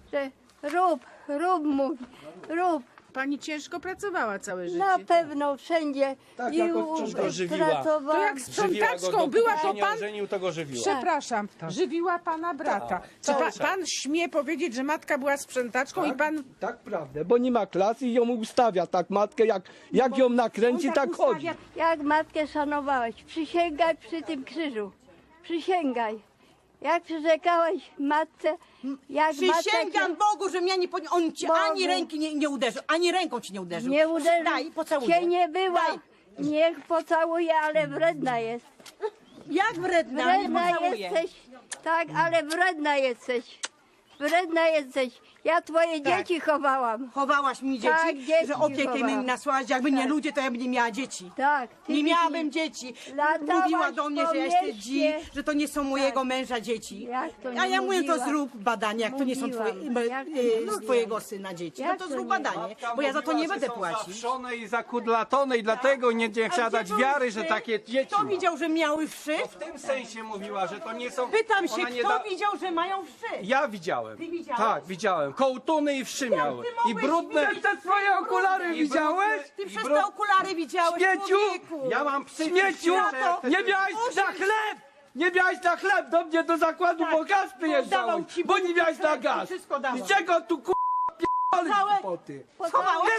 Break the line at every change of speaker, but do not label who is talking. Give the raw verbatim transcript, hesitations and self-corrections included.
że rób, rób, mówi, rób.
Pani ciężko pracowała całe życie.
Na pewno wszędzie
Tak,
i
jako
u-
wciąż go
żywiła.
pracowałam.
To jak
Żywiła go,
sprzątaczką
dopóki
była,
się
to
nie
pan...
ożenił, to go żywiła.
Przepraszam, żywiła pana brata. Czy pa, pan śmie powiedzieć, że matka była sprzątaczką i pan...
Tak, prawda, bo nie ma klasy i ją ustawia tak matkę, jak, jak ją nakręci,
on
tak
tak
chodzi.
ustawia-
Jak matkę szanowałeś, przysięgaj przy tym krzyżu. Przysięgaj. Jak przyrzekałeś matce, jak
Przysięgam
matka
Bogu, że mnie nie pod... on ci
Bogu.
ani ręki nie, nie uderzył, ani ręką ci nie uderzył.
nie uderzył,
Daj, pocałuję.
cię nie była.
Daj.
Niech pocałuje, ale wredna jest.
Jak wredna, nie
Wredna
pocałuję.
jesteś, tak, ale wredna jesteś. Wredna jesteś. Ja twoje
Tak.
dzieci chowałam.
Chowałaś mi dzieci,
Tak, dzieci
że opiekę
chowałam.
mi nasłałaś. Jakby nie
Tak.
ludzie, to ja bym nie miała dzieci.
Tak. ty
Nie
mi-
miałabym dzieci.
Latałaś
Mówiła do mnie,
po
że ja jestem
mieście.
dzi, że to nie są mojego męża dzieci.
Jak to
A
nie
ja mówię, to
mówiła?
zrób badanie, jak to nie są
Mówiłam.
twoje,
Jak to
e,
nie
z
mówiłam?
twojego syna dzieci.
Jak
No to
to
zrób
nie?
badanie, bo ja za to nie będę płacić.
Zawszone i zakudlatone i dlatego nie, nie chciała
A gdzie
dać
były
wiary,
wszy?
że takie dzieci
Kto
ma.
widział, że miały wszy?
W tym sensie mówiła, że to nie są...
Pytam się,
ona nie
kto
da-
widział, że mają wszy?
Ja widziałem.
Ty widziałeś?
Tak, widziałem. Kołtuny i wszy miały.
ty
I
mogłeś
brudne...
widzieć
Te twoje okulary
i
widziałeś?
Ty
i
przez
brud-
te okulary widziałeś,
Śmieciu!
człowieku.
Ja mam psy...
Śmieciu!
psychiczne-
Nie miałeś na chleb! Nie miałeś na chleb! Do mnie do zakładu
Tak.
po gaz przyjeżdżałeś,
Dawał ci
bo
Bóg
nie miałeś na
chleb i
gaz!
wszystko dawał.
I czego tu k***a p***oli
Całe-
głupoty?
Schowałeś?